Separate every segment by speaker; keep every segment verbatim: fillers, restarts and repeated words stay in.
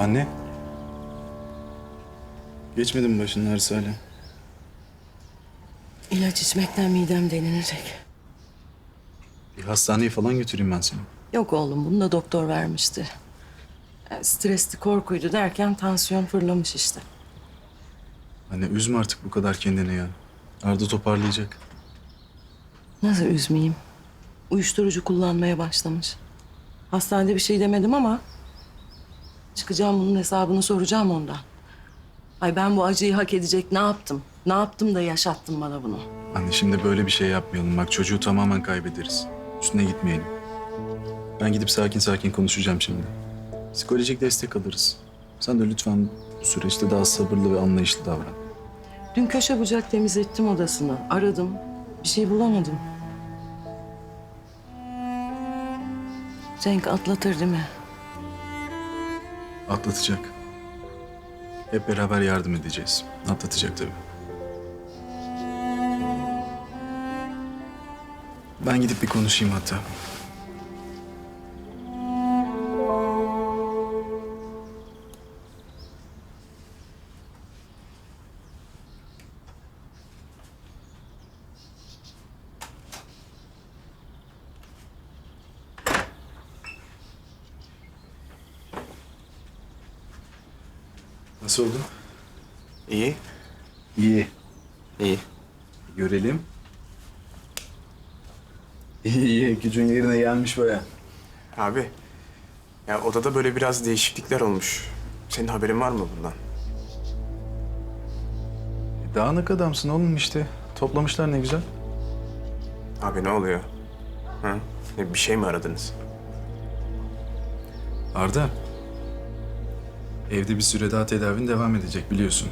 Speaker 1: Anne. Geçmedi mi başının ağrısı hala?
Speaker 2: İlaç içmekten midem delinecek.
Speaker 1: Bir hastaneye falan götüreyim ben seni.
Speaker 2: Yok oğlum, bunu da doktor vermişti. Yani stresli, korkuydu derken tansiyon fırlamış işte.
Speaker 1: Anne üzme artık bu kadar kendini ya. Arda toparlayacak.
Speaker 2: Nasıl üzmeyeyim? Uyuşturucu kullanmaya başlamış. Hastanede bir şey demedim ama... çıkacağım bunun hesabını soracağım ondan. Ay ben bu acıyı hak edecek ne yaptım? Ne yaptım da yaşattın bana bunu?
Speaker 1: Anne şimdi böyle bir şey yapmayalım. Bak çocuğu tamamen kaybederiz. Üstüne gitmeyelim. Ben gidip sakin sakin konuşacağım şimdi. Psikolojik destek alırız. Sen de lütfen bu süreçte daha sabırlı ve anlayışlı davran.
Speaker 2: Dün köşe bucak temizlettim odasını. Aradım. Bir şey bulamadım. Cenk atlatır değil mi?
Speaker 1: Atlatacak. Hep beraber yardım edeceğiz. Atlatacak tabii. Ben gidip bir konuşayım hatta. Nasıl oldu?
Speaker 3: İyi.
Speaker 1: İyi.
Speaker 3: İyi.
Speaker 1: Görelim. İyi iyi. Gücün yerine gelmiş baya.
Speaker 3: Abi, ya odada böyle biraz değişiklikler olmuş. Senin haberin var mı bundan?
Speaker 1: Dağınık adamsın oğlum işte. Toplamışlar ne güzel.
Speaker 3: Abi ne oluyor? Ha? Ne, bir şey mi aradınız?
Speaker 1: Arda. Evde bir süre daha tedavin devam edecek biliyorsun.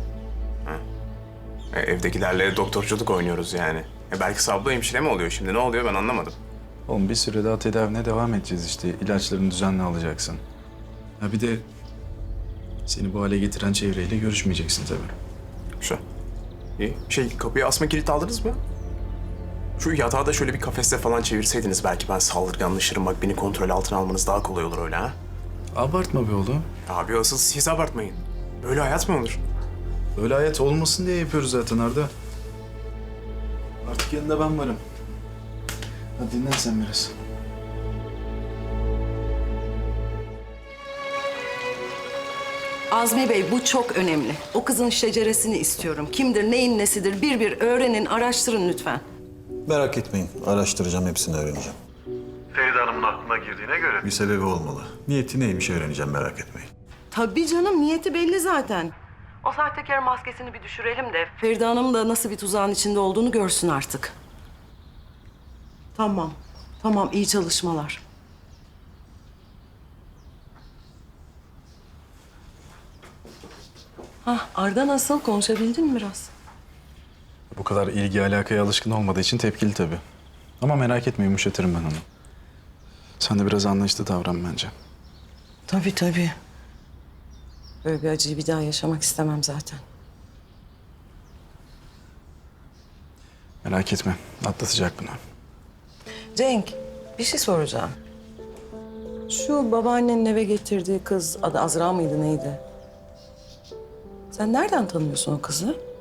Speaker 3: E, evdekilerle doktorculuk oynuyoruz yani. E, belki sablı hemşire mi oluyor şimdi? Ne oluyor ben anlamadım.
Speaker 1: Oğlum bir süre daha tedavine devam edeceğiz işte. İlaçlarını düzenli alacaksın. Ha bir de seni bu hale getiren çevreyle görüşmeyeceksin tabii.
Speaker 3: Şu. İyi. Şey kapıya asma kilit aldınız mı? Şu yatağı da şöyle bir kafeste falan çevirseydiniz belki ben saldırganlaşırım. Bak beni kontrol altına almanız daha kolay olur öyle ha.
Speaker 1: Abartma be oğlum.
Speaker 3: Abi asıl siz abartmayın. Böyle hayat mı olur?
Speaker 1: Öyle hayat olmasın diye yapıyoruz zaten Arda. Artık yanında ben varım. Hadi dinlen sen biraz.
Speaker 2: Azmi Bey bu çok önemli. O kızın şeceresini istiyorum. Kimdir, neyin nesidir bir bir öğrenin, araştırın lütfen.
Speaker 4: Merak etmeyin. Araştıracağım, hepsini öğreneceğim.
Speaker 5: Feride Hanım'ın aklına girdiğine göre
Speaker 4: Bir sebebi olmalı. Niyeti neymiş öğreneceğim, merak etmeyin.
Speaker 2: Tabii canım, niyeti belli zaten. O sahtekar maskesini bir düşürelim de Feride Hanım da nasıl bir tuzağın içinde olduğunu görsün artık. Tamam, tamam iyi çalışmalar. Hah, Arda nasıl? Konuşabildin mi biraz?
Speaker 1: Bu kadar ilgi alakaya alışkın olmadığı için tepkili tabii. Ama merak etme yumuşatırım ben onu. Sen de biraz anlayışlı davran bence.
Speaker 2: Tabii tabii. Böyle bir acıyı bir daha yaşamak istemem zaten.
Speaker 1: Merak etme atlatacak bunu.
Speaker 2: Cenk, bir şey soracağım. Şu babaannenin eve getirdiği kız, adı Azra mıydı neydi? Sen nereden tanıyorsun o kızı?